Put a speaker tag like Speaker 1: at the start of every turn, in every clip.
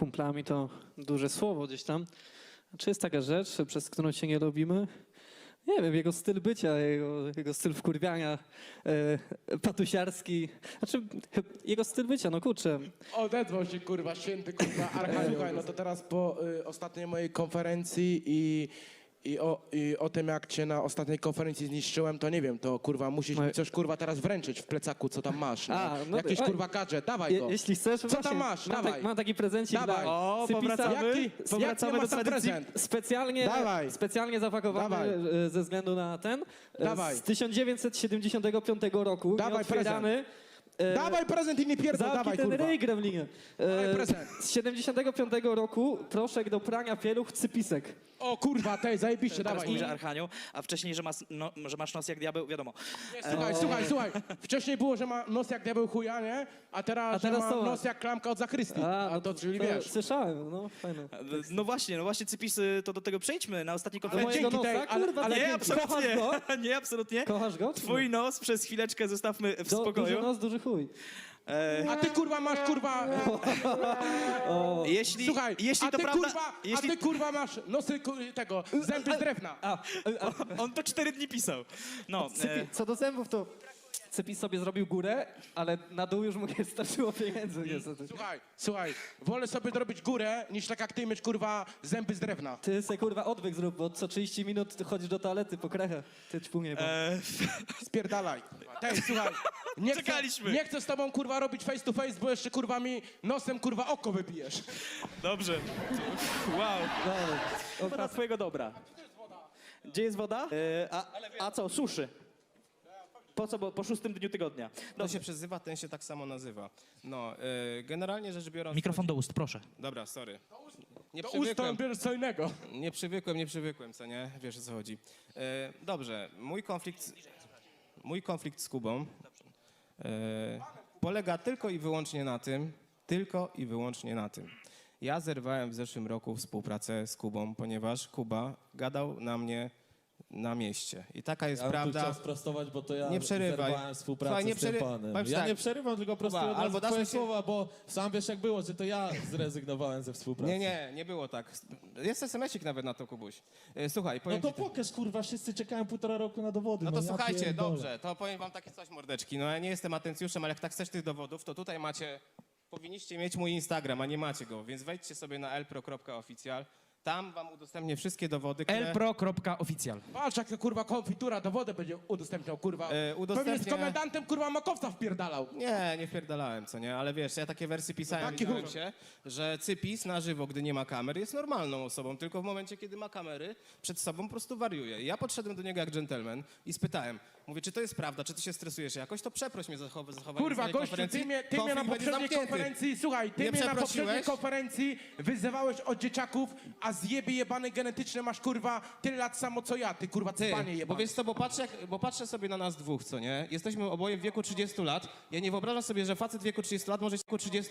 Speaker 1: kumplami to duże słowo gdzieś tam. Czy jest taka rzecz, przez którą się nie lubimy? Nie wiem, jego styl bycia, jego styl wkurwiania, patusiarski. Znaczy, jego styl bycia, no kurczę.
Speaker 2: Odezwał się, kurwa, święty, kurwa, Słuchaj, no to teraz po ostatniej mojej konferencji i o tym, jak cię na ostatniej konferencji zniszczyłem, to nie wiem, to kurwa musisz mi coś kurwa teraz wręczyć w plecaku, co tam masz. No? Jakiś kurwa gadżet, dawaj go.
Speaker 1: Jeśli chcesz,
Speaker 2: Co
Speaker 1: właśnie,
Speaker 2: tam masz? Dawaj.
Speaker 1: Mam taki prezencik
Speaker 2: Dawaj.
Speaker 1: dla Cypisa.
Speaker 2: Jaki masz tam prezent?
Speaker 1: Specjalnie zapakowany
Speaker 2: Dawaj.
Speaker 1: ze względu na ten.
Speaker 2: Dawaj.
Speaker 1: Z 1975 roku.
Speaker 2: Dawaj
Speaker 1: nieotwierany.
Speaker 2: Dawaj prezent i nie pierdol, dawaj
Speaker 1: ten
Speaker 2: kurwa.
Speaker 1: ryj, gremlinie.
Speaker 2: Dawaj prezent.
Speaker 1: Z 75 roku proszek do prania pieluch Cypisek.
Speaker 2: O kurwa, tej, zajebiście,
Speaker 3: Teraz
Speaker 2: dawaj.
Speaker 3: mówi, że Archanioł, a wcześniej, że masz nos jak diabeł, wiadomo.
Speaker 2: Słuchaj. Wcześniej było, że ma nos jak diabeł chuja, nie? A teraz że ma
Speaker 1: to
Speaker 2: nos jak klamka od zakrystii. A to czyli wiesz.
Speaker 1: Słyszałem, no fajne.
Speaker 3: No właśnie Cypisy, to do tego przejdźmy. Na ostatniej
Speaker 1: Do
Speaker 3: konferencji...
Speaker 1: mojego
Speaker 2: dzięki
Speaker 1: nosa,
Speaker 2: tej- ale-
Speaker 1: kurwa,
Speaker 2: ale
Speaker 3: Nie,
Speaker 1: dzięki.
Speaker 3: absolutnie.
Speaker 1: Kochasz go?
Speaker 3: Nie, absolutnie.
Speaker 1: Kochasz go?
Speaker 3: Twój nos przez chwileczkę zostawmy w
Speaker 1: Duży
Speaker 3: spokoju.
Speaker 1: nos, duży chuj.
Speaker 2: A ty kurwa masz kurwa... Słuchaj,
Speaker 3: jeśli
Speaker 2: a
Speaker 3: to
Speaker 2: ty
Speaker 3: prawda...
Speaker 2: kurwa, a ty kurwa masz nosy tego, zęby z drewna.
Speaker 3: On to 4 dni pisał. No,
Speaker 1: Co do zębów, to Cypis sobie zrobił górę, ale na dół już mu nie starczyło pieniędzy niestety.
Speaker 2: Słuchaj, wolę sobie zrobić górę, niż tak jak ty mieć kurwa zęby z drewna.
Speaker 1: Ty se kurwa odwyk zrób, bo co 30 minut ty chodzisz do toalety po krechę. Ty ćpunie.
Speaker 2: Spierdalaj. Tej, słuchaj,
Speaker 3: Czekaliśmy.
Speaker 2: nie chcę z tobą kurwa robić face to face, bo jeszcze kurwa mi nosem kurwa oko wybijesz.
Speaker 3: Dobrze. Wow.
Speaker 4: Dla twojego dobra. Gdzie jest woda? A co, suszy? Po co? Bo po 6. dniu tygodnia.
Speaker 5: To się przezywa, ten się tak samo nazywa. No, generalnie rzecz biorąc...
Speaker 3: Mikrofon do ust, proszę.
Speaker 5: Dobra, sorry. Nie
Speaker 2: Do ust to
Speaker 5: przywykłem,
Speaker 2: bierzesz co innego.
Speaker 5: nie przywykłem, co nie? Wiesz, o co chodzi. Dobrze, mój konflikt z Kubą polega tylko i wyłącznie na tym. Ja zerwałem w zeszłym roku współpracę z Kubą, ponieważ Kuba gadał na mnie na mieście. I taka jest prawda.
Speaker 6: Chciał sprostować, bo to ja
Speaker 5: Nie przerywaj.
Speaker 6: zerwałem współpracę
Speaker 5: Słuchaj, nie
Speaker 6: z tym
Speaker 5: przery-
Speaker 6: panem.
Speaker 5: powiem
Speaker 6: Ja
Speaker 5: tak.
Speaker 6: nie przerywam, tylko prostuję
Speaker 5: Kuba,
Speaker 6: od
Speaker 5: albo
Speaker 6: razu
Speaker 5: dasz
Speaker 6: twoje
Speaker 5: mi się-
Speaker 6: słowa, bo sam wiesz jak było, że to ja zrezygnowałem ze współpracy.
Speaker 5: Nie było tak. Jest SMS-ik nawet na to, Kubuś. Słuchaj,
Speaker 6: No
Speaker 5: powiem
Speaker 6: to
Speaker 5: ci tak.
Speaker 6: pokaż, kurwa, wszyscy czekają 1,5 roku na dowody.
Speaker 5: No to
Speaker 6: ja
Speaker 5: słuchajcie,
Speaker 6: pierdolę.
Speaker 5: dobrze, to powiem wam takie coś, mordeczki. No ja nie jestem atencjuszem, ale jak tak chcesz tych dowodów, to tutaj macie, powinniście mieć mój Instagram, a nie macie go, więc wejdźcie sobie na elpro.oficjal. Tam wam udostępnię wszystkie dowody, które...
Speaker 3: elpro.oficjal.
Speaker 2: Patrz jak to kurwa konfitura dowody będzie udostępniał kurwa.
Speaker 5: udostępnię-
Speaker 2: Pewnie z komendantem kurwa makowca wpierdalał.
Speaker 5: Nie wpierdalałem, co nie? Ale wiesz, ja takie wersje pisałem,
Speaker 2: Taki
Speaker 5: widziałem
Speaker 2: chuj.
Speaker 5: się, że Cypis na żywo, gdy nie ma kamer, jest normalną osobą, tylko w momencie, kiedy ma kamery, przed sobą po prostu wariuje. I ja podszedłem do niego jak dżentelmen i spytałem, mówię, czy to jest prawda, czy ty się stresujesz jakoś, to przeproś mnie za zachowanie
Speaker 2: Kurwa,
Speaker 5: na tej
Speaker 2: gościu,
Speaker 5: konferencji.
Speaker 2: ty mnie na
Speaker 5: Konflikt będzie
Speaker 2: poprzedniej
Speaker 5: zamknięty.
Speaker 2: konferencji, słuchaj, ty
Speaker 5: Nie
Speaker 2: mnie na
Speaker 5: przeprosiłeś?
Speaker 2: poprzedniej konferencji wyzywałeś od dzieciaków, a zjeby jebane genetyczne masz kurwa tyle lat samo co ja, ty kurwa
Speaker 5: Ty,
Speaker 2: cpanie
Speaker 5: bo
Speaker 2: jebane.
Speaker 5: wiesz co, bo patrzę sobie na nas dwóch, co nie? Jesteśmy oboje w wieku 30 lat. Ja nie wyobrażam sobie, że facet w wieku 30 lat może się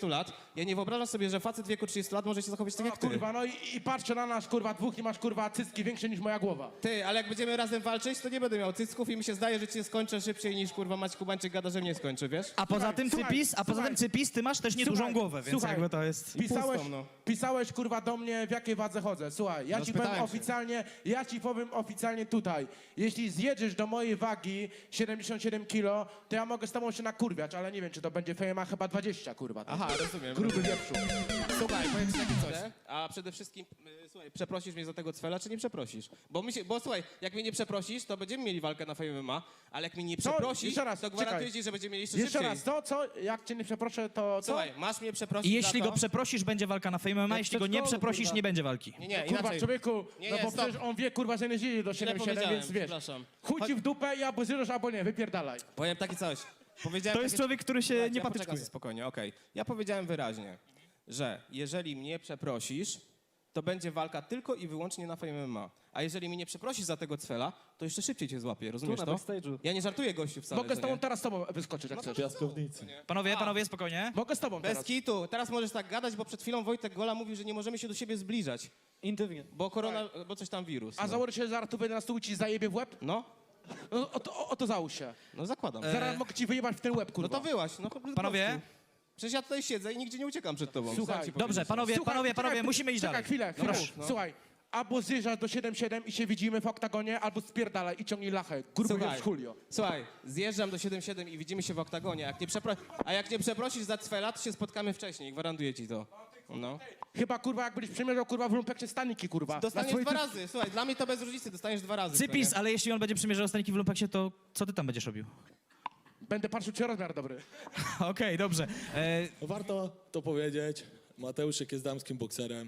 Speaker 5: zachować tak jak ty.
Speaker 2: Kurwa, no i patrzę na nas kurwa dwóch i masz kurwa cycki większe niż moja głowa.
Speaker 5: Ty, ale jak będziemy razem walczyć, to nie będę miał cycków i mi się zdaje, że cię skończę szybciej niż kurwa Maciej Kubańczyk gada, że mnie skończy, wiesz?
Speaker 3: A poza tym
Speaker 2: słuchaj,
Speaker 3: Cypis, ty masz też niedużą
Speaker 2: Słuchaj,
Speaker 3: głowę, więc
Speaker 2: słuchaj,
Speaker 3: jakby to jest...
Speaker 2: Pisałeś,
Speaker 5: pustą, no.
Speaker 2: pisałeś kurwa do mnie w jakiej wadze chodzę. Słuchaj, ja
Speaker 5: No,
Speaker 2: ci powiem
Speaker 5: spytałem się.
Speaker 2: oficjalnie, tutaj. Jeśli zjedziesz do mojej wagi 77 kilo, to ja mogę z tobą się nakurwiać, ale nie wiem, czy to będzie fejma chyba 20, kurwa.
Speaker 5: Aha, rozumiem.
Speaker 2: Gruby wieprzu.
Speaker 5: Słuchaj, powiem ci takie coś. A przede wszystkim, słuchaj, przeprosisz mnie za tego cwela, czy nie przeprosisz? Bo słuchaj, jak mnie nie przeprosisz, to będziemy mieli walkę na Fame MMA, ale jak mnie nie przeprosisz,
Speaker 2: jeszcze raz,
Speaker 5: to gwarantuję
Speaker 2: czekaj.
Speaker 5: ci, że będziemy mieli jeszcze
Speaker 2: Jeszcze
Speaker 5: szybciej.
Speaker 2: raz, co? Jak cię nie przeproszę, to co?
Speaker 5: Słuchaj, masz mnie przeprosić
Speaker 3: I jeśli
Speaker 5: za to...
Speaker 3: go przeprosisz, będzie walka na Fame MMA, jeśli go nie
Speaker 1: przedszkolu,
Speaker 3: przeprosisz,
Speaker 1: kurwa.
Speaker 3: nie będzie walki.
Speaker 5: Nie,
Speaker 2: Kurwa,
Speaker 5: inaczej.
Speaker 2: człowieku,
Speaker 5: Nie,
Speaker 2: no bo
Speaker 5: stop.
Speaker 2: przecież on wie, kurwa, że nie zjedzie do 77,
Speaker 5: powiedziałem,
Speaker 2: więc wiesz.
Speaker 5: przepraszam.
Speaker 2: Chuj ci w dupę i albo zjedziesz, albo nie, wypierdalaj.
Speaker 5: Powiem takie coś. Powiedziałem
Speaker 3: To jest
Speaker 5: takie...
Speaker 3: człowiek, który się
Speaker 5: Ja
Speaker 3: nie
Speaker 5: poczekam
Speaker 3: patyczkuje.
Speaker 5: sobie spokojnie, okej. Ja powiedziałem wyraźnie, że jeżeli mnie przeprosisz, to będzie walka tylko i wyłącznie na Fame MMA. A jeżeli mnie nie przeprosisz za tego cwela, to jeszcze szybciej cię złapię, rozumiesz
Speaker 1: na
Speaker 5: to?
Speaker 1: backstage'u.
Speaker 5: Ja nie żartuję gościu wcale,
Speaker 2: Mogę z
Speaker 5: co
Speaker 2: tobą
Speaker 5: nie?
Speaker 2: teraz z tobą wyskoczyć, jak chcesz.
Speaker 6: Piaskownicy.
Speaker 3: Panowie, spokojnie.
Speaker 2: Mogę z tobą
Speaker 5: Bez
Speaker 2: teraz.
Speaker 5: kitu. Teraz możesz tak gadać, bo przed chwilą Wojtek Gola mówił, że nie możemy się do siebie zbliżać,
Speaker 1: Intymnie.
Speaker 5: bo coś tam wirus.
Speaker 2: A
Speaker 5: No,
Speaker 2: założę się, że zaraz tu wejdę na stół i ci zajebie w łeb?
Speaker 5: no,
Speaker 2: No, o to załóż się.
Speaker 5: no zakładam.
Speaker 2: Zaraz mogę ci wyjebać w ten łeb, kurwa.
Speaker 5: No to wyłaś. No,
Speaker 3: Panowie,
Speaker 5: Przecież ja tutaj siedzę i nigdzie nie uciekam przed tobą.
Speaker 2: Słuchaj,
Speaker 5: Sam ci
Speaker 3: Dobrze,
Speaker 5: powiedzieć.
Speaker 3: panowie, musimy iść
Speaker 2: Czekaj
Speaker 3: dalej.
Speaker 2: chwilę.
Speaker 5: No.
Speaker 2: Słuchaj, albo zjeżdżasz do 7-7 i się widzimy w oktagonie, albo spierdalaj i ciągnij lachę. Gruby jest Julio.
Speaker 5: Słuchaj, zjeżdżam do 7-7 i widzimy się w oktagonie. A jak nie przeprosisz za cwela, to się spotkamy wcześniej. Gwarantuję ci to. No.
Speaker 2: Chyba kurwa jak będziesz przymierzał kurwa w lumpekcie staniki kurwa.
Speaker 5: Dostaniesz
Speaker 2: Na swoje
Speaker 5: 2 razy. Słuchaj, dla mnie to bez różnicy. Dostaniesz 2 razy.
Speaker 3: Cypis,
Speaker 5: co nie?
Speaker 3: ale jeśli on będzie przymierzał staniki w lumpeksie, to co ty tam będziesz robił?
Speaker 2: Będę patrzył czy rozmiar dobry.
Speaker 3: Okej, dobrze.
Speaker 6: Warto to powiedzieć, Mateuszek jest damskim bokserem,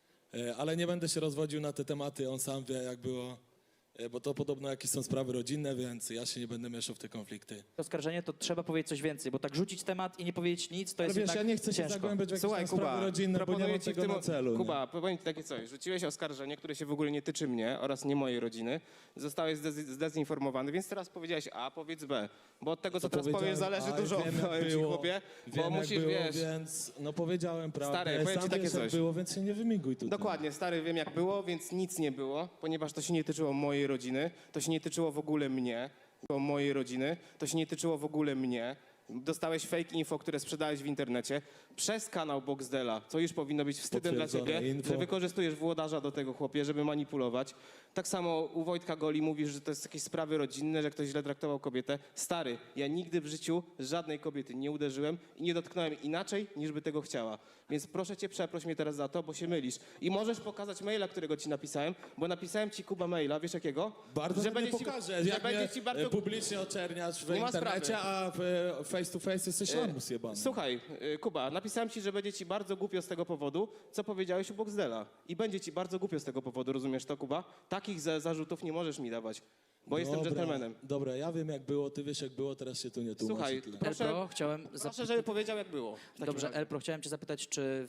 Speaker 6: ale nie będę się rozwodził na te tematy, on sam wie jak było, bo to podobno jakieś są sprawy rodzinne, więc ja się nie będę mieszał w te konflikty.
Speaker 4: Oskarżenie to trzeba powiedzieć coś więcej, bo tak rzucić temat i nie powiedzieć nic, to
Speaker 6: Ale
Speaker 4: jest
Speaker 6: wiesz,
Speaker 4: jednak
Speaker 6: ja nie chcę się
Speaker 4: ciężko.
Speaker 6: zagłębiać w jakieś
Speaker 5: Słuchaj,
Speaker 6: tam sprawy
Speaker 5: Kuba,
Speaker 6: rodzinne, bo nie
Speaker 5: proponuję
Speaker 6: mam
Speaker 5: ci
Speaker 6: tego na celu.
Speaker 5: Kuba, powiem ci takie coś. Rzuciłeś oskarżenie, które się w ogóle nie tyczy mnie oraz nie mojej rodziny. Zostałeś zdezinformowany, więc teraz powiedziałeś A, powiedz B. Bo od tego, co teraz powiesz, zależy dużo, powiem ci, chłopie. Bo
Speaker 6: Wiem,
Speaker 5: musisz,
Speaker 6: jak było,
Speaker 5: wiesz...
Speaker 6: więc no powiedziałem prawdę,
Speaker 5: Stary, powiem ci
Speaker 6: sam
Speaker 5: takie
Speaker 6: wiesz jak
Speaker 5: coś.
Speaker 6: było, więc się nie wymiguj tutaj.
Speaker 5: Dokładnie, stary, wiem jak było, więc nic nie było, ponieważ to się nie tyczyło mojej rodziny, to się nie tyczyło w ogóle mnie, mojej rodziny, to się nie tyczyło w ogóle mnie. Dostałeś fake info, które sprzedałeś w internecie przez kanał Boxdela, co już powinno być wstydem dla
Speaker 6: Potwierdzone
Speaker 5: ciebie,
Speaker 6: info.
Speaker 5: że wykorzystujesz włodarza do tego, chłopie, żeby manipulować. Tak samo u Wojtka Goli mówisz, że to jest jakieś sprawy rodzinne, że ktoś źle traktował kobietę. Stary, ja nigdy w życiu żadnej kobiety nie uderzyłem i nie dotknąłem inaczej, niż by tego chciała. Więc proszę cię, przeproś mnie teraz za to, bo się mylisz. I możesz pokazać maila, którego ci napisałem, bo napisałem ci, Kuba, maila, wiesz jakiego?
Speaker 6: Bardzo że
Speaker 5: będzie
Speaker 6: pokażę,
Speaker 5: że
Speaker 6: jak
Speaker 5: będzie
Speaker 6: mnie
Speaker 5: ci bardzo...
Speaker 6: publicznie oczerniasz w
Speaker 5: Nie ma
Speaker 6: internecie,
Speaker 5: sprawy.
Speaker 6: a face to face jesteś lamus jebany.
Speaker 5: Słuchaj, Kuba, napisałem ci, że będzie ci bardzo głupio z tego powodu, co powiedziałeś u Boxdela. I będzie ci bardzo głupio z tego powodu, rozumiesz to, Kuba? Takich zarzutów nie możesz mi dawać, bo jestem dżentelmenem.
Speaker 6: Dobra, ja wiem jak było, ty wiesz jak było, teraz się tu nie tłumaczy.
Speaker 5: Słuchaj,
Speaker 6: tyle.
Speaker 5: proszę,
Speaker 4: Elpro, chciałem
Speaker 5: proszę, żeby powiedział jak było. w takim
Speaker 4: Dobrze,
Speaker 5: razie.
Speaker 4: Elpro, chciałem cię zapytać, czy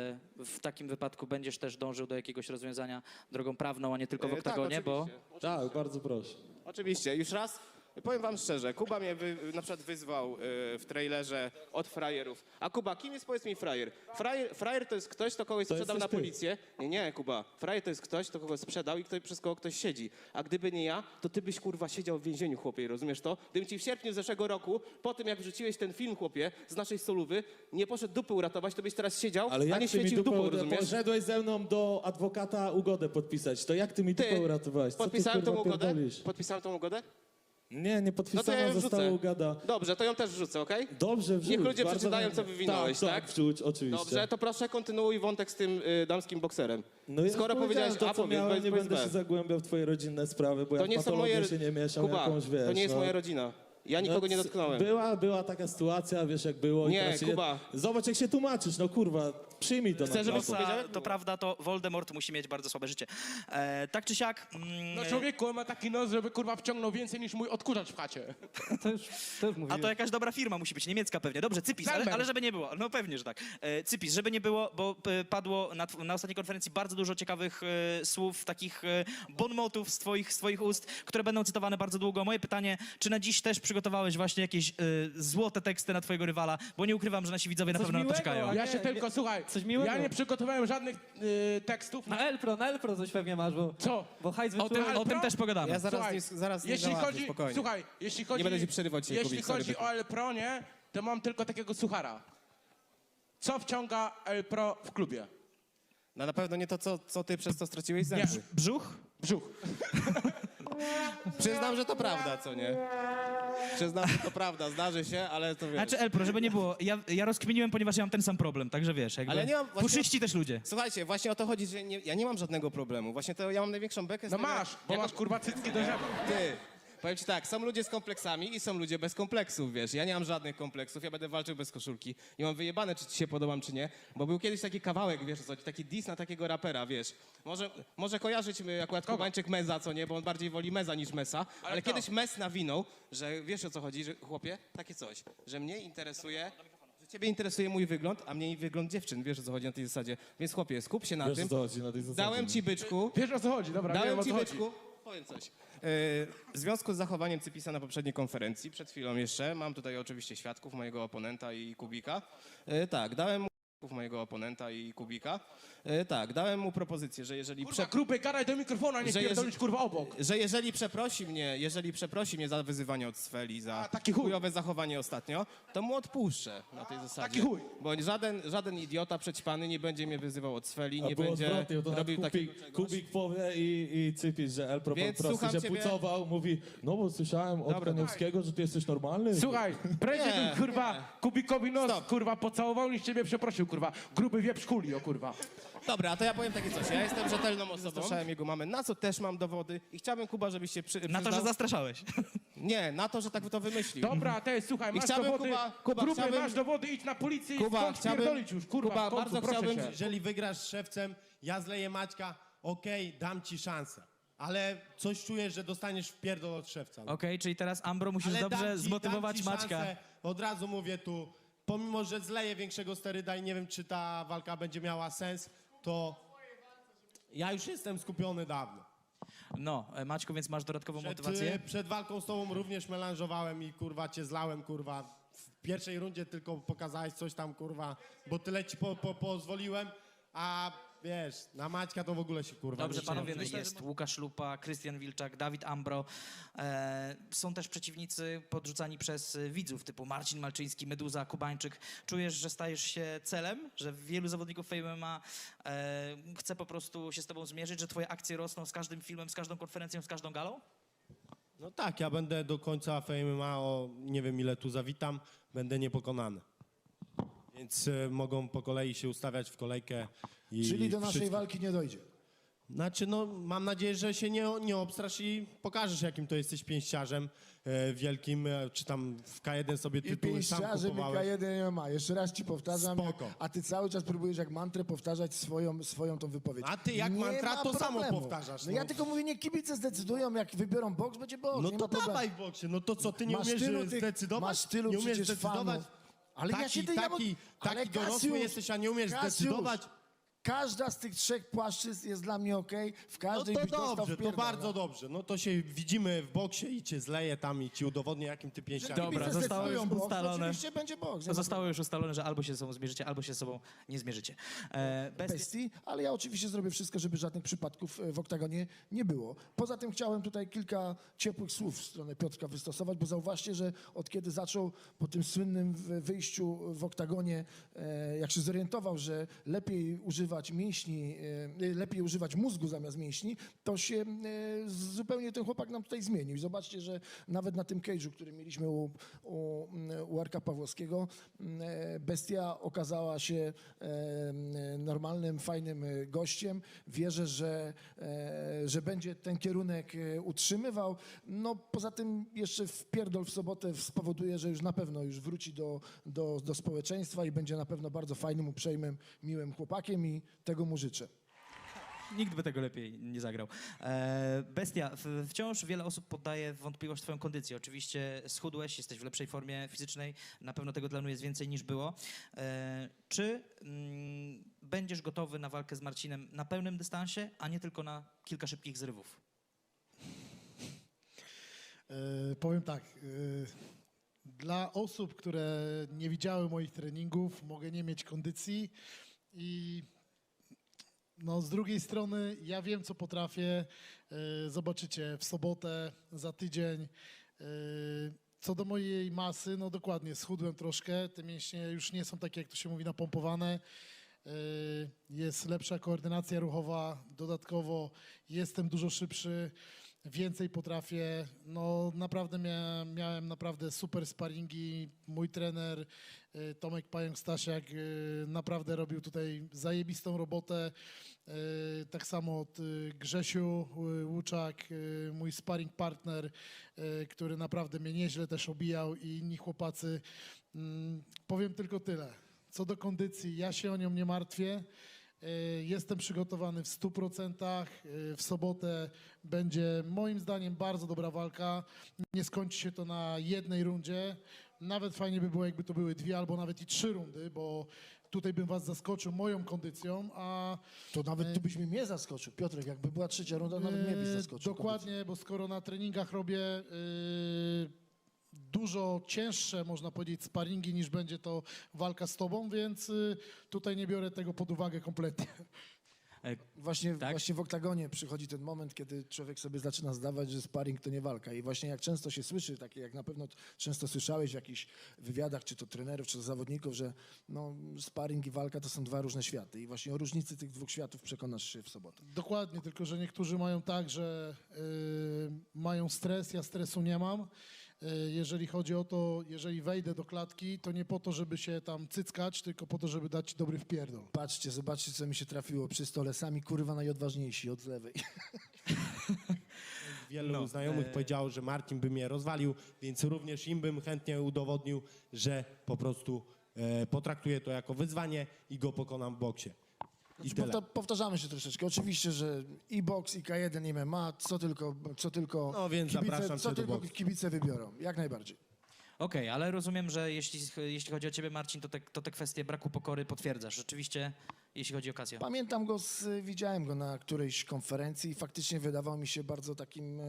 Speaker 4: w takim wypadku będziesz też dążył do jakiegoś rozwiązania drogą prawną, a nie tylko w oktagonie,
Speaker 5: tak,
Speaker 4: bo...
Speaker 5: oczywiście.
Speaker 6: Tak, bardzo proszę.
Speaker 5: Oczywiście, już raz. Powiem wam szczerze, Kuba mnie na przykład wyzwał w trailerze od frajerów. A Kuba, kim jest, powiedz mi, frajer? Frajer to jest ktoś, kto kogoś
Speaker 6: To
Speaker 5: sprzedał na
Speaker 6: jesteś ty.
Speaker 5: policję. Nie, Kuba. Frajer to jest ktoś, kto kogoś sprzedał i przez kogo ktoś siedzi. A gdyby nie ja, to ty byś, kurwa, siedział w więzieniu, chłopie, rozumiesz to? Gdybym ci w sierpniu zeszłego roku, po tym jak wrzuciłeś ten film, chłopie, z naszej solówy, nie poszedł dupy uratować, to byś teraz siedział,
Speaker 6: Ale
Speaker 5: a
Speaker 6: jak
Speaker 5: nie
Speaker 6: ty mi
Speaker 5: świecił
Speaker 6: dupę
Speaker 5: dupą, rozumiesz?
Speaker 6: poszedłeś ze mną do adwokata ugodę podpisać, to jak ty mi dupę uratowałeś? Co ty,
Speaker 5: podpisałem tą
Speaker 6: kurwa,
Speaker 5: ugodę?
Speaker 6: pierdolisz?
Speaker 5: Podpisałem tą ugodę?
Speaker 6: Nie, nie podpisana,
Speaker 5: No to ja ją
Speaker 6: została
Speaker 5: wrzucę.
Speaker 6: ugada.
Speaker 5: Dobrze, to ją też wrzucę, okej?
Speaker 6: Dobrze, wrzuć.
Speaker 5: Niech ludzie
Speaker 6: bardzo
Speaker 5: przeczytają,
Speaker 6: chętnie.
Speaker 5: co wywinąłeś, tak?
Speaker 6: wrzuć, oczywiście.
Speaker 5: Dobrze, to proszę kontynuuj wątek z tym damskim bokserem.
Speaker 6: No ja
Speaker 5: Skoro
Speaker 6: już
Speaker 5: powiedziałeś
Speaker 6: to,
Speaker 5: A,
Speaker 6: co
Speaker 5: powiedz,
Speaker 6: miałem, nie
Speaker 5: powiedz
Speaker 6: będę
Speaker 5: B.
Speaker 6: się zagłębiał w twoje rodzinne sprawy, bo
Speaker 5: To
Speaker 6: ja w
Speaker 5: nie są
Speaker 6: patologię
Speaker 5: moje...
Speaker 6: się nie mieszam,
Speaker 5: Kuba,
Speaker 6: jakąś, wiesz,
Speaker 5: to nie jest
Speaker 6: no.
Speaker 5: moja rodzina. Ja nikogo nie dotknąłem.
Speaker 6: Była taka sytuacja, wiesz jak było. i
Speaker 5: Nie,
Speaker 6: teraz się
Speaker 5: Kuba.
Speaker 6: Zobacz jak się tłumaczysz, no kurwa, przyjmij to
Speaker 5: Chcę,
Speaker 6: na
Speaker 5: żeby
Speaker 6: klatę.
Speaker 5: powiedziałem?
Speaker 3: To prawda, to Voldemort musi mieć bardzo słabe życie. Tak czy siak...
Speaker 2: No człowieku, on ma taki nos, żeby kurwa wciągnął więcej niż mój odkurzacz w chacie.
Speaker 1: To już
Speaker 3: A to jakaś dobra firma musi być, niemiecka pewnie. Dobrze, Cypis,
Speaker 2: Zalmer.
Speaker 3: ale żeby nie było. No pewnie, że tak. Cypis, żeby nie było, bo padło na ostatniej konferencji bardzo dużo ciekawych słów, takich bonmotów z twoich ust, które będą cytowane bardzo długo. Moje pytanie, czy na dziś też przygotowałeś właśnie jakieś złote teksty na twojego rywala? Bo nie ukrywam, że nasi widzowie na
Speaker 1: Coś
Speaker 3: pewno na to
Speaker 1: miłego,
Speaker 3: czekają.
Speaker 1: a
Speaker 2: Ja
Speaker 1: nie,
Speaker 2: się tylko, słuchaj,
Speaker 1: coś miłego.
Speaker 2: ja nie przygotowałem żadnych tekstów.
Speaker 1: Na Elpro coś pewnie masz, bo...
Speaker 2: Co?
Speaker 1: Bo hajs
Speaker 3: O tym,
Speaker 1: wyczułem.
Speaker 3: o tym też pogadamy.
Speaker 5: Ja zaraz
Speaker 2: Słuchaj,
Speaker 5: zaraz nie
Speaker 2: jeśli
Speaker 5: załatwię,
Speaker 2: chodzi,
Speaker 5: spokojnie.
Speaker 2: słuchaj, jeśli chodzi,
Speaker 5: Nie będę ci przerywał dzisiaj,
Speaker 2: jeśli
Speaker 5: Kubik, sorry,
Speaker 2: chodzi
Speaker 5: byku.
Speaker 2: o Elpro, nie, to mam tylko takiego suchara. Co wciąga Elpro w klubie?
Speaker 5: No na pewno nie to, co ty przez to straciłeś
Speaker 2: Nie.
Speaker 5: zęby.
Speaker 3: Brzuch?
Speaker 2: Brzuch.
Speaker 5: Przyznam, że to prawda, co nie? Przyznam, że to prawda, zdarzy się, ale to wiesz.
Speaker 3: Znaczy Elpro, żeby nie było, ja rozkminiłem, ponieważ ja mam ten sam problem, także wiesz, jakby...
Speaker 5: Ale nie mam właśnie-
Speaker 3: Puszyści też ludzie.
Speaker 5: Słuchajcie, właśnie o to chodzi, że ja nie mam żadnego problemu. Właśnie to ja mam największą bekę z
Speaker 2: No
Speaker 5: tego,
Speaker 2: masz, bo
Speaker 5: jak
Speaker 2: masz kurwa cycki do żebu.
Speaker 5: Ty, powiem ci tak, są ludzie z kompleksami i są ludzie bez kompleksów, wiesz. Ja nie mam żadnych kompleksów, ja będę walczył bez koszulki. I mam wyjebane, czy ci się podobam, czy nie. Bo był kiedyś taki kawałek, wiesz co, taki diss na takiego rapera, wiesz. Może kojarzyć akurat Kubańczyk Meza, co nie, bo on bardziej woli Meza niż Mesa. Ale
Speaker 2: kto?
Speaker 5: kiedyś Mes nawinął, że wiesz o co chodzi, że chłopie, takie coś, że mnie interesuje... że Ciebie interesuje mój wygląd, a mnie wygląd dziewczyn, wiesz o co chodzi na tej zasadzie. Więc chłopie, skup się na
Speaker 6: Wiesz,
Speaker 5: tym.
Speaker 6: o co chodzi na tej zasadzie,
Speaker 5: Dałem
Speaker 6: nie?
Speaker 5: ci byczku,
Speaker 2: Wiesz o co chodzi, dobra, wiem
Speaker 5: dałem
Speaker 2: o
Speaker 5: ci
Speaker 2: co chodzi.
Speaker 5: byczku. Powiem coś. W związku z zachowaniem Cypisa na poprzedniej konferencji, przed chwilą jeszcze, mam tutaj oczywiście świadków, mojego oponenta i Kubika. Tak, dałem mu mojego oponenta i Kubika. Tak, dałem mu propozycję, że jeżeli
Speaker 2: Kurwa, Krupek, gadaj do mikrofonu, a nie
Speaker 5: Że
Speaker 2: pierdolisz kurwa obok.
Speaker 5: że jeżeli przeprosi mnie za wyzywanie od Sfeli, za
Speaker 2: taki chuj.
Speaker 5: chujowe zachowanie ostatnio, to mu odpuszczę na tej zasadzie.
Speaker 2: Taki chuj.
Speaker 5: Bo żaden idiota przećpany nie będzie mnie wyzywał od Sfeli,
Speaker 6: A
Speaker 5: nie
Speaker 6: było
Speaker 5: będzie
Speaker 6: odwrotnie, to
Speaker 5: robił takiego
Speaker 6: Kubik,
Speaker 5: czegoś.
Speaker 6: Kubik powie i Cypis, że El po
Speaker 5: Więc
Speaker 6: prostu
Speaker 5: słucham
Speaker 6: się
Speaker 5: ciebie.
Speaker 6: pucował, mówi, no bo słyszałem od
Speaker 5: Dobra,
Speaker 6: Kaniewskiego, że ty jesteś normalny.
Speaker 2: Słuchaj, prędzej
Speaker 5: Nie,
Speaker 2: bym kurwa Kubikowi nos
Speaker 5: Stop.
Speaker 2: kurwa pocałował niż ciebie przeprosił kurwa. Gruby wieprz kulio kurwa.
Speaker 5: Dobra, to ja powiem takie coś. Ja jestem rzetelną osobą. Zastraszałem jego mamę, na co też mam dowody i chciałbym, Kuba, żebyś się
Speaker 3: Na to, że zastraszałeś.
Speaker 5: Nie, na to, że tak to wymyślił.
Speaker 2: Dobra, te słuchaj, masz
Speaker 5: chciałbym,
Speaker 2: dowody,
Speaker 5: Kuba,
Speaker 2: Gruby,
Speaker 5: chciałbym-
Speaker 2: masz dowody, idź na policję i
Speaker 5: Kuba,
Speaker 2: skąd
Speaker 5: chciałbym-
Speaker 2: pierdolić już kurwa.
Speaker 5: Kuba,
Speaker 2: w końcu,
Speaker 5: bardzo
Speaker 2: proszę
Speaker 5: chciałbym-
Speaker 2: cię.
Speaker 7: Jeżeli wygrasz z Szewcem, ja zleję Maćka, okej, dam ci szansę. Ale coś czujesz, że dostaniesz w pierdol od Szewca.
Speaker 3: Okej, czyli teraz Ambro musisz
Speaker 7: Ale
Speaker 3: dobrze
Speaker 7: dam ci
Speaker 3: zmotywować Maćka.
Speaker 7: szansę, od razu mówię tu, pomimo, że zleję większego steryda i nie wiem, czy ta walka będzie miała sens, to ja już jestem skupiony dawno.
Speaker 3: No, Maćku, więc masz dodatkową motywację.
Speaker 7: Przed walką z tobą również melanżowałem i kurwa cię zlałem, kurwa. W pierwszej rundzie tylko pokazałeś coś tam, kurwa, bo tyle ci pozwoliłem, a wiesz, na Maćka to w ogóle się kurwa
Speaker 3: Dobrze,
Speaker 7: nie
Speaker 3: panowie, no
Speaker 7: czuję.
Speaker 3: jest Łukasz Lupa, Krystian Wilczak, Dawid Ambro. Są też przeciwnicy podrzucani przez widzów typu Marcin Malczyński, Meduza, Kubańczyk. Czujesz, że stajesz się celem, że wielu zawodników Fame MMA chce po prostu się z tobą zmierzyć, że twoje akcje rosną z każdym filmem, z każdą konferencją, z każdą galą?
Speaker 7: No tak, ja będę do końca MMA, o nie wiem ile tu zawitam, będę niepokonany. Więc mogą po kolei się ustawiać w kolejkę.
Speaker 8: Czyli do naszej
Speaker 7: wszystko.
Speaker 8: walki nie dojdzie.
Speaker 7: Znaczy, no mam nadzieję, że się nie obstrasz i pokażesz, jakim to jesteś pięściarzem wielkim, czy tam w K1 sobie
Speaker 8: I
Speaker 7: tytuły sam
Speaker 8: pięściarzem i
Speaker 7: kupowałeś.
Speaker 8: K1 MMA. Jeszcze raz ci powtarzam,
Speaker 7: Spoko.
Speaker 8: a ty cały czas próbujesz jak mantrę powtarzać swoją tą wypowiedź.
Speaker 7: A ty jak
Speaker 8: Nie
Speaker 7: mantra,
Speaker 8: ma
Speaker 7: to samo
Speaker 8: problemu.
Speaker 7: powtarzasz,
Speaker 8: No
Speaker 7: no.
Speaker 8: ja tylko mówię, nie kibice zdecydują, jak wybiorą boks, będzie boks.
Speaker 7: No
Speaker 8: nie
Speaker 7: to
Speaker 8: ma problemu.
Speaker 7: dawaj w boksie, no to co, ty nie
Speaker 8: Masz
Speaker 7: umiesz
Speaker 8: tylu tych-
Speaker 7: zdecydować?
Speaker 8: masz tylu
Speaker 7: nie umiesz
Speaker 8: przecież
Speaker 7: zdecydować?
Speaker 8: fanów. Ale ja się
Speaker 7: taki dorosły jesteś, a nie umiesz zdecydować?
Speaker 8: Każda z tych trzech płaszczyzn jest dla mnie okej. W
Speaker 7: No
Speaker 8: każdej
Speaker 7: to
Speaker 8: byś dostał
Speaker 7: dobrze,
Speaker 8: w
Speaker 7: to
Speaker 8: pierdol,
Speaker 7: bardzo
Speaker 8: no.
Speaker 7: dobrze. No to się widzimy w boksie i cię zleję tam i ci udowodnię, jakim ty pięściarzem.
Speaker 3: Dobra,
Speaker 8: Kibice
Speaker 3: zostało już
Speaker 8: zdecydują boks,
Speaker 3: ustalone.
Speaker 8: Oczywiście będzie boks. nie ma
Speaker 3: Zostało już ustalone, że albo się ze sobą zmierzycie, albo się ze sobą nie zmierzycie.
Speaker 8: bestii, ale ja oczywiście zrobię wszystko, żeby żadnych przypadków w oktagonie nie było. Poza tym chciałem tutaj kilka ciepłych słów w stronę Piotrka wystosować, bo zauważcie, że od kiedy zaczął po tym słynnym wyjściu w oktagonie, jak się zorientował, że lepiej używać mięśni, lepiej używać mózgu zamiast mięśni, to się zupełnie ten chłopak nam tutaj zmienił. I zobaczcie, że nawet na tym cage'u, który mieliśmy u Arka Pawłowskiego, bestia okazała się normalnym, fajnym gościem. Wierzę, że będzie ten kierunek utrzymywał. No poza tym jeszcze wpierdol w sobotę spowoduje, że już na pewno już wróci do społeczeństwa i będzie na pewno bardzo fajnym, uprzejmym, miłym chłopakiem i tego mu życzę.
Speaker 3: Nikt by tego lepiej nie zagrał. Bestia, wciąż wiele osób poddaje w wątpliwość twoją kondycję. Oczywiście schudłeś, jesteś w lepszej formie fizycznej, na pewno tego tlenu jest więcej niż było. Czy będziesz gotowy na walkę z Marcinem na pełnym dystansie, a nie tylko na kilka szybkich zrywów?
Speaker 9: Powiem tak. Dla osób, które nie widziały moich treningów, mogę nie mieć kondycji i no, z drugiej strony ja wiem, co potrafię. Zobaczycie w sobotę, za tydzień. Co do mojej masy, no dokładnie, schudłem troszkę. Te mięśnie już nie są takie, jak to się mówi, napompowane. Jest lepsza koordynacja ruchowa. Dodatkowo jestem dużo szybszy. Więcej potrafię. No naprawdę miałem naprawdę super sparingi. Mój trener Tomek Pająk-Stasiak naprawdę robił tutaj zajebistą robotę. Tak samo od Grzesiu Łuczak, mój sparring partner, który naprawdę mnie nieźle też obijał i inni chłopacy. Powiem tylko tyle. Co do kondycji, ja się o nią nie martwię. Jestem przygotowany w 100%. W sobotę będzie moim zdaniem bardzo dobra walka. Nie skończy się to na jednej rundzie. Nawet fajnie by było, jakby to były 2 albo nawet i 3 rundy, bo tutaj bym was zaskoczył moją kondycją, a
Speaker 8: To nawet tu byś mnie zaskoczył, Piotrek, jakby była trzecia runda, nawet mnie byś zaskoczył.
Speaker 9: dokładnie, bo skoro na treningach robię dużo cięższe, można powiedzieć, sparingi niż będzie to walka z tobą, więc tutaj nie biorę tego pod uwagę kompletnie.
Speaker 8: Właśnie,
Speaker 3: Tak?
Speaker 8: właśnie w oktagonie przychodzi ten moment, kiedy człowiek sobie zaczyna zdawać, że sparring to nie walka. I właśnie jak często się słyszy, takie jak na pewno często słyszałeś w jakichś wywiadach, czy to trenerów, czy to zawodników, że no, sparring i walka to są dwa różne światy. I właśnie o różnicy tych dwóch światów przekonasz się w sobotę.
Speaker 9: Dokładnie, tylko że niektórzy mają tak, że mają stres, ja stresu nie mam. Jeżeli chodzi o to, jeżeli wejdę do klatki, to nie po to, żeby się tam cyckać, tylko po to, żeby dać ci dobry wpierdol.
Speaker 8: Patrzcie, zobaczcie, co mi się trafiło przy stole. Sami kurwa najodważniejsi od lewej.
Speaker 7: Wielu znajomych powiedziało, że Marcin by mnie rozwalił, więc również im bym chętnie udowodnił, że po prostu potraktuję to jako wyzwanie i go pokonam w boksie. I tyle.
Speaker 8: Powtarzamy się troszeczkę. Oczywiście, że i boks, i K1, i MMA, co tylko,
Speaker 7: No więc zapraszam
Speaker 8: co
Speaker 7: cię do
Speaker 8: tylko
Speaker 7: boksu.
Speaker 8: kibice wybiorą. Jak najbardziej.
Speaker 3: Okej, ale rozumiem, że jeśli chodzi o ciebie, Marcin, to te kwestie braku pokory potwierdzasz. Rzeczywiście, jeśli chodzi o Casio.
Speaker 8: Pamiętam go, widziałem go na którejś konferencji i faktycznie wydawał mi się bardzo takim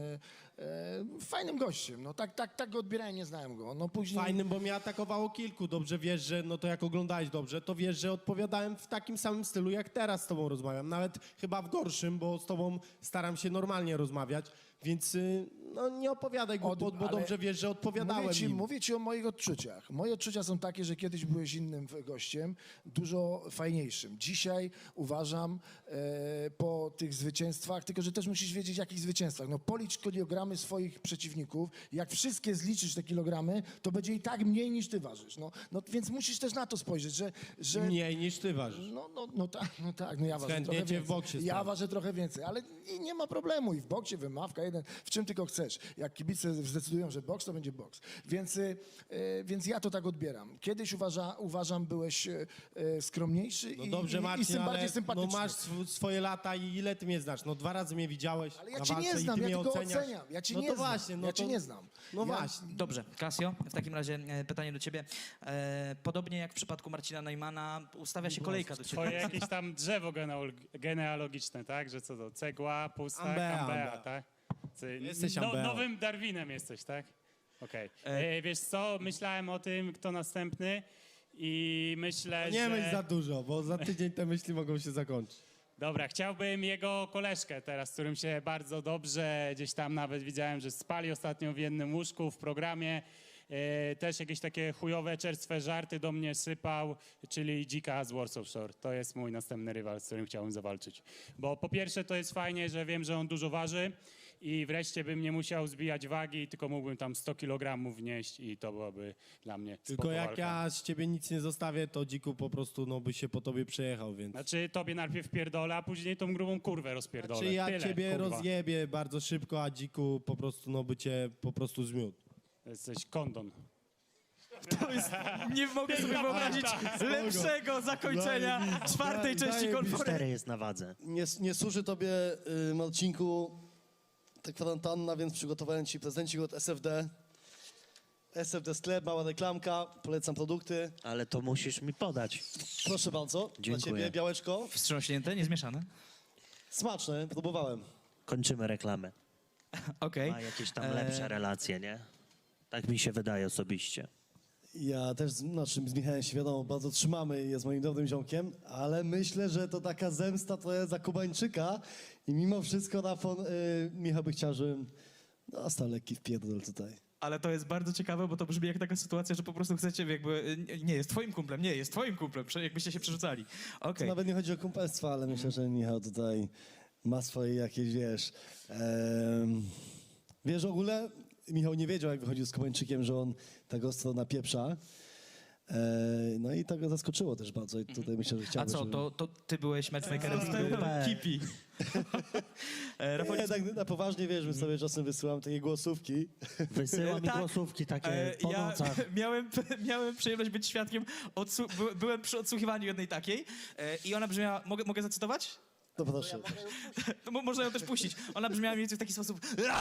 Speaker 8: fajnym gościem. No tak go odbierałem, nie znałem go. No później...
Speaker 7: Fajnym, bo mnie atakowało kilku. Dobrze wiesz, że no to jak oglądałeś dobrze, to wiesz, że odpowiadałem w takim samym stylu, jak teraz z tobą rozmawiam. Nawet chyba w gorszym, bo z tobą staram się normalnie rozmawiać. Więc no nie opowiadaj głupot, bo
Speaker 8: ale
Speaker 7: dobrze wiesz, że odpowiadałem im.
Speaker 8: Mówię ci o moich odczuciach. Moje odczucia są takie, że kiedyś byłeś innym gościem, dużo fajniejszym. Dzisiaj uważam po tych zwycięstwach, tylko że też musisz wiedzieć, jakich zwycięstwach. No policz kilogramy swoich przeciwników. Jak wszystkie zliczysz te kilogramy, to będzie i tak mniej niż ty ważysz. No więc musisz też na to spojrzeć, że
Speaker 7: Mniej niż ty ważysz.
Speaker 8: no tak, no ja ważę
Speaker 7: Chętnie
Speaker 8: trochę
Speaker 7: cię w
Speaker 8: więcej.
Speaker 7: boksie
Speaker 8: Ja
Speaker 7: sprawdzę.
Speaker 8: ważę trochę więcej, ale nie ma problemu i w boksie, wymawka, jeden, w czym tylko chcesz. Jak kibice zdecydują, że boks, to będzie boks. Więc ja to tak odbieram. Kiedyś uważam, byłeś skromniejszy
Speaker 7: No dobrze, Marcin,
Speaker 8: bardziej
Speaker 7: ale no
Speaker 8: sympatyczny.
Speaker 7: masz swoje lata i ile ty mnie znasz? No 2 razy mnie widziałeś
Speaker 8: Ale ja
Speaker 7: na
Speaker 8: cię nie
Speaker 7: walce i
Speaker 8: znam,
Speaker 7: ty
Speaker 8: ja
Speaker 7: mnie
Speaker 8: tylko
Speaker 7: oceniasz.
Speaker 8: oceniam. Ja cię
Speaker 7: no
Speaker 8: nie
Speaker 7: to
Speaker 8: znam.
Speaker 7: właśnie, no
Speaker 8: Ja
Speaker 7: to,
Speaker 8: cię nie znam.
Speaker 7: No
Speaker 8: Ja-
Speaker 7: właśnie.
Speaker 3: Dobrze, Casio, w takim razie pytanie do ciebie. Podobnie jak w przypadku Marcina Neumana, ustawia się kolejka do
Speaker 10: Twoje
Speaker 3: ciebie.
Speaker 10: jakieś tam drzewo genealogiczne, tak? Że co to? Cegła, pustak,
Speaker 7: Ambea,
Speaker 10: ambea,
Speaker 7: ambea.
Speaker 10: tak?
Speaker 7: Jesteś ambeą.
Speaker 10: Nowym Darwinem jesteś, tak? Okej. Wiesz co, myślałem o tym, kto następny i myślę,
Speaker 7: Nie
Speaker 10: że...
Speaker 7: myśl za dużo, bo za tydzień te myśli mogą się zakończyć.
Speaker 10: Dobra, chciałbym jego koleżkę teraz, z którym się bardzo dobrze, gdzieś tam nawet widziałem, że spali ostatnio w jednym łóżku w programie. Też jakieś takie chujowe, czerstwe żarty do mnie sypał, czyli Dzika z Warsaw Shore. To jest mój następny rywal, z którym chciałbym zawalczyć. Bo po pierwsze to jest fajnie, że wiem, że on dużo waży i wreszcie bym nie musiał zbijać wagi, tylko mógłbym tam 100 kg wnieść i to byłoby dla mnie
Speaker 7: Tylko
Speaker 10: spoko
Speaker 7: jak
Speaker 10: walka.
Speaker 7: ja z ciebie nic nie zostawię, to Dziku po prostu no, by się po tobie przejechał, więc...
Speaker 10: Znaczy tobie najpierw pierdolę, a później tą grubą kurwę rozpierdolę.
Speaker 7: Czy ja
Speaker 10: Tyle,
Speaker 7: ciebie
Speaker 10: kurwa.
Speaker 7: rozjebię bardzo szybko, a Dziku po prostu no, by cię po prostu zmiótł.
Speaker 10: Jesteś kondon.
Speaker 3: Nie mogę sobie wyobrazić lepszego zakończenia czwartej części konferencji.
Speaker 11: 4 jest na wadze.
Speaker 12: Nie służy tobie, Marcinku, ta kwarantanna, więc przygotowałem ci prezencik od SFD. SFD Sklep, mała reklamka, polecam produkty.
Speaker 11: Ale to musisz mi podać.
Speaker 12: Proszę bardzo, dla
Speaker 11: Dziękuję.
Speaker 12: ciebie białeczko.
Speaker 3: Wstrząśnięte, niezmieszane.
Speaker 12: Smaczne, próbowałem.
Speaker 11: Kończymy reklamę.
Speaker 3: Okej.
Speaker 11: Ma jakieś tam lepsze relacje, nie? Tak mi się wydaje osobiście.
Speaker 12: Ja też z Michałem się wiadomo, bardzo trzymamy, jest moim dobrym ziomkiem, ale myślę, że to taka zemsta to jest za Kubańczyka i mimo wszystko Michał by chciał, żebym dostał lekki wpierdol tutaj.
Speaker 3: Ale to jest bardzo ciekawe, bo to brzmi jak taka sytuacja, że po prostu chcecie jakby... Nie jest twoim kumplem, nie jest twoim kumplem, jakbyście się przerzucali. Okej.
Speaker 12: Nawet nie chodzi o kumpelstwo, ale myślę, że Michał tutaj ma swoje jakieś, wiesz... Wiesz, w ogóle Michał nie wiedział, jak wychodził z Kubańczykiem, że on tak ostro napieprza. No i to go zaskoczyło też bardzo i tutaj myślę, że
Speaker 3: A
Speaker 12: chciałby,
Speaker 3: co,
Speaker 12: żeby...
Speaker 3: to ty byłeś matchmakerem Kipi. Rafał,
Speaker 12: Nie, tak na poważnie, wiesz, my sobie czasem wysyłam takie głosówki.
Speaker 11: Wysyła mi
Speaker 3: Tak.
Speaker 11: głosówki takie po
Speaker 3: ja
Speaker 11: nocach.
Speaker 3: miałem przyjemność być świadkiem, byłem przy odsłuchiwaniu jednej takiej i ona brzmiała, mogę zacytować?
Speaker 12: To proszę.
Speaker 3: To można ją też puścić. Ona brzmiała mniej więcej w taki sposób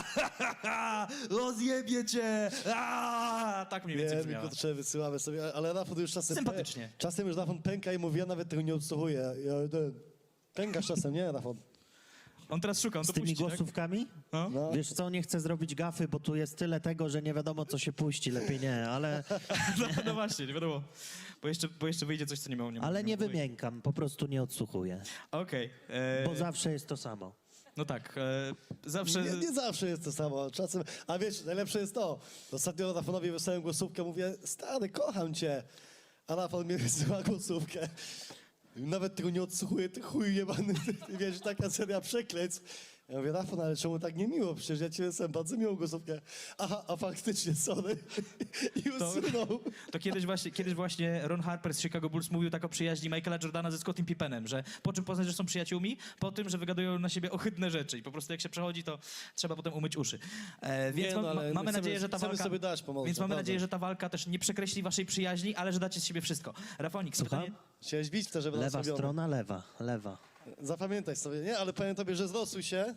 Speaker 3: rozjebie cię! Tak mniej więcej
Speaker 12: Wiem,
Speaker 3: brzmiała.
Speaker 12: kurczę, wysyłamy sobie, ale Rafał już czasem...
Speaker 3: Sympatycznie.
Speaker 12: Czasem już Rafał pęka i mówi, ja nawet tego nie odsłuchuję. Pękasz czasem, nie, Rafał?
Speaker 3: On teraz szuka, on
Speaker 11: Z
Speaker 3: to
Speaker 11: tymi
Speaker 3: puści, tak?
Speaker 11: głosówkami?
Speaker 12: No.
Speaker 11: Wiesz co, nie chcę zrobić gafy, bo tu jest tyle tego, że nie wiadomo, co się puści. Lepiej nie, ale
Speaker 3: No właśnie, nie wiadomo. Bo jeszcze wyjdzie coś, co nie miało.
Speaker 11: ale nie wymiękam, po prostu nie odsłuchuję.
Speaker 3: Okej.
Speaker 11: Bo zawsze jest to samo.
Speaker 3: No tak, zawsze...
Speaker 12: Nie zawsze jest to samo. Czasem, a wiesz, najlepsze jest to. Ostatnio Rafonowi wysłałem głosówkę, mówię, stary, kocham cię. A Rafon mi wysyła głosówkę. Nawet tego nie odsłuchuję, ty chuj jebany. Wiesz, taka seria przekleństw. Ja mówię, Rafon, ale czemu tak niemiło? Przecież ja ci wysłałem bardzo miłą głosówkę. Aha, a faktycznie, sorry. I usunął.
Speaker 3: To kiedyś właśnie Ron Harper z Chicago Bulls mówił tak o przyjaźni Michaela Jordana ze Scottim Pippenem, że po czym poznać, że są przyjaciółmi? Po tym, że wygadują na siebie ohydne rzeczy i po prostu jak się przechodzi, to trzeba potem umyć uszy. Więc
Speaker 12: Nie, no, ale
Speaker 3: mamy
Speaker 12: my
Speaker 3: nadzieję, że ta
Speaker 12: chcemy
Speaker 3: walka...
Speaker 12: sobie dać pomoc,
Speaker 3: Więc mamy
Speaker 12: naprawdę.
Speaker 3: nadzieję, że ta walka też nie przekreśli waszej przyjaźni, ale że dacie z siebie wszystko. Rafonik,
Speaker 11: Słucham?
Speaker 3: pytanie...
Speaker 12: Chciałeś bić w te, żeby
Speaker 11: Lewa
Speaker 12: nas
Speaker 11: strona, lewa.
Speaker 12: Zapamiętaj sobie, nie? Ale powiem tobie, że zrosuj się.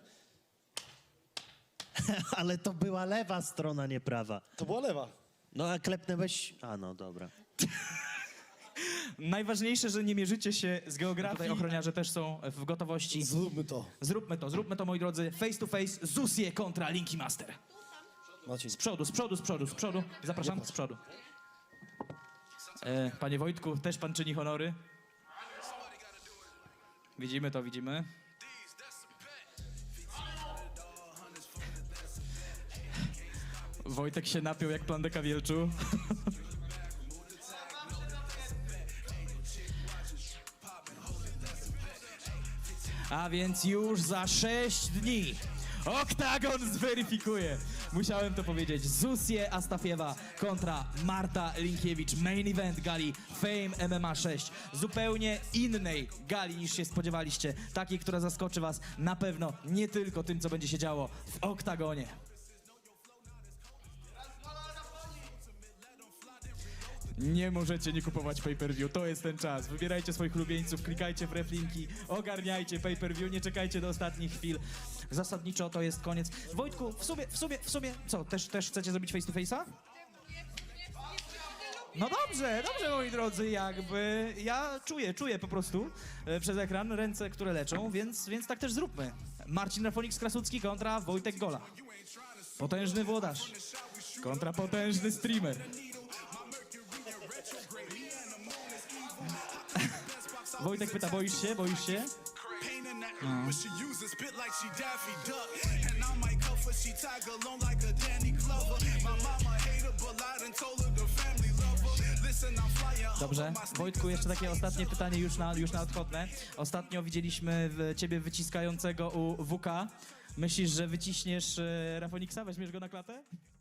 Speaker 11: Ale to była lewa strona, nie prawa.
Speaker 12: To była lewa.
Speaker 11: No a klepnęłeś... A no, dobra.
Speaker 3: Najważniejsze, że nie mierzycie się z geografii. Tutaj ochroniarze też są w gotowości.
Speaker 12: Zróbmy to.
Speaker 3: Zróbmy to, moi drodzy. Face to face, Zusie kontra Linky Master.
Speaker 12: Maciej.
Speaker 3: Z przodu. Zapraszam, z przodu. Panie Wojtku, też pan czyni honory. Widzimy to, widzimy. Wojtek się napiął jak plandeka wielczu. A więc już za 6 dni Oktagon zweryfikuje. Musiałem to powiedzieć. Zusie Astafiewa kontra Marta Linkiewicz. Main event gali Fame MMA 6. Zupełnie innej gali niż się spodziewaliście. Takiej, która zaskoczy was na pewno nie tylko tym, co będzie się działo w Oktagonie. Nie możecie nie kupować pay-per-view, to jest ten czas. Wybierajcie swoich ulubieńców, klikajcie w reflinki, ogarniajcie pay-per-view, nie czekajcie do ostatnich chwil. Zasadniczo to jest koniec. Wojtku, w sumie, co, też chcecie zrobić face to face'a? No dobrze, moi drodzy, jakby ja czuję po prostu przez ekran ręce, które leczą, więc tak też zróbmy. Marcin Rafonik Krasucki kontra Wojtek Gola. Potężny włodarz kontra potężny streamer. Wojtek pyta, boisz się? No. Dobrze. Wojtku, jeszcze takie ostatnie pytanie już na odchodne. Ostatnio widzieliśmy ciebie wyciskającego u WK. Myślisz, że wyciśniesz Rafoniksa? Weźmiesz go na klatę?